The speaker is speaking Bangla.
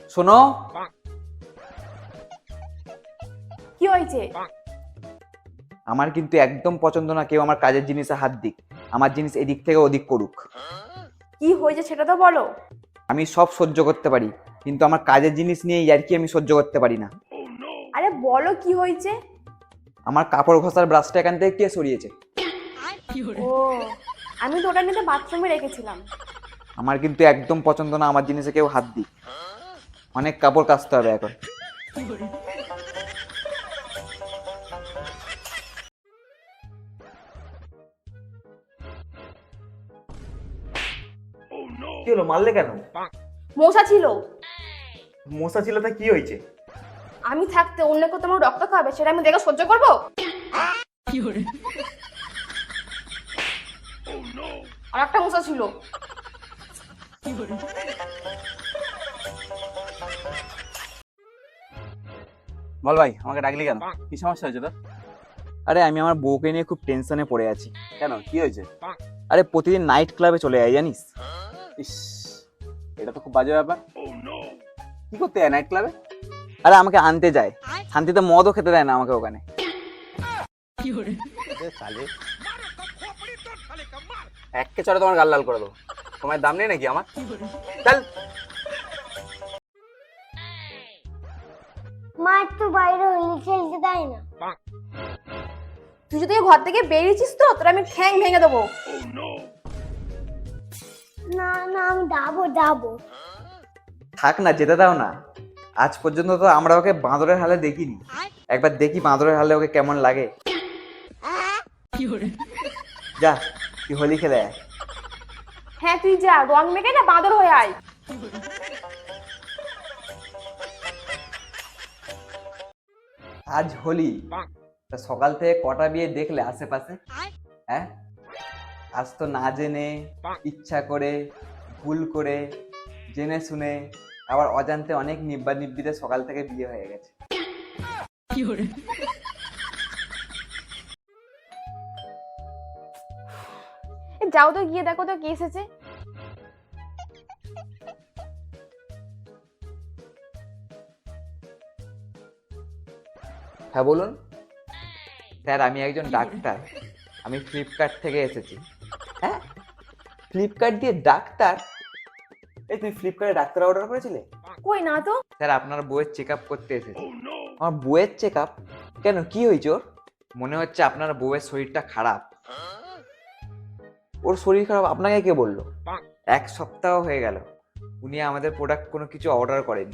শোনো, কি হয়েছে? আমার কিন্তু একদম পছন্দ না কেউ আমার কাজের জিনিসে হাত দিক। আমার জিনিস এদিক থেকে ওদিক করুক। কি হয়েছে সেটা তো বলো। আমি সব সহ্য করতে পারি, কিন্তু আমার কাজের জিনিস নিয়ে ইয়ার্কি আমি সহ্য করতে পারি না। আরে বলো কি হয়েছে। আমার কাপড় ঘষার ব্রাশটা এখান থেকে কে সরিয়েছে? ও, আমি তো ওটা নিতে বাথরুমে রেখেছিলাম। আমার কিন্তু একদম পছন্দ না আমার জিনিসে কেউ হাত দিক। অনেক কাপড় কাচতে হবে এখন। কি হলো, মারলে কেন? মশা ছিল। মশা ছিল তা কি হয়েছে? আমি থাকতে অন্য কেউ তোমার রক্ত খাবে সেটা আমি দেখে সহ্য করবো? আর একটা মশা ছিল। বল ভাই, আমাকে ডাকলি কেন? কি সমস্যা হয়েছে তোর? আরে আমি আমার বউকে নিয়ে খুব টেনশনে পড়ে আছি। কেন, কি হয়েছে? আরে প্রতিদিন নাইট ক্লাবে চলে যায় জানিস। ইস, এটা তো খুব বাজে ব্যাপার। কি করতে যায় নাইট ক্লাবে? আরে আমাকে আনতে যায়, শান্তিতে মদও খেতে দেয় না আমাকে ওখানে। একে চড়ে তোমার গাল লাল করে দেবো। সময়ের দাম নেই নাকি আমার? চল। মা একটু বাইরে হলি খেলতে দেয় না। তুই যদি ঘর থেকে বেরিয়েছিস তো তোর আমি ঠ্যাং ভেঙে দেবো। না না, আমি যাবো। থাক না, যেতে দাও না। আজ পর্যন্ত তো আমরা ওকে বাঁদরের হালে দেখিনি। একবার দেখি বাঁদরের হালে ওকে কেমন লাগে। যা, তুই হোলি খেলে আয়। হ্যাঁ তুই যা, রং মেখে না বাঁদর হয়ে আয়। আজ হোলি, তা সকাল থেকে কটা বিয়ে দেখলে আশেপাশে? হ্যাঁ, আজ তো না জেনে, ইচ্ছা করে, ভুল করে, জেনে শুনে, আবার অজান্তে অনেক নিব্বা নিব্বিতে সকাল থেকে বিয়ে হয়ে গেছে। যাও তো গিয়ে দেখো তো কে এসেছে। হ্যাঁ বলুন। স্যার, আমি একজন ডাক্তার। আমি ফ্লিপকার্ট থেকে এসেছি। হ্যাঁ, ফ্লিপকার্ট দিয়ে ডাক্তার? এই তুই ফ্লিপকার্টে ডাক্তার অর্ডার করেছিলে? কই না তো। স্যার, আপনার বউয়ের চেক আপ করতে এসেছি। আমার বউয়ের চেক আপ? কেন, কি হয়েছে ওর? মনে হচ্ছে আপনার বউয়ের শরীরটা খারাপ। ওর শরীর খারাপ আপনাকে কে বললো? 1 সপ্তাহ হয়ে গেল উনি আমাদের প্রোডাক্ট কোনো কিছু অর্ডার করেনি।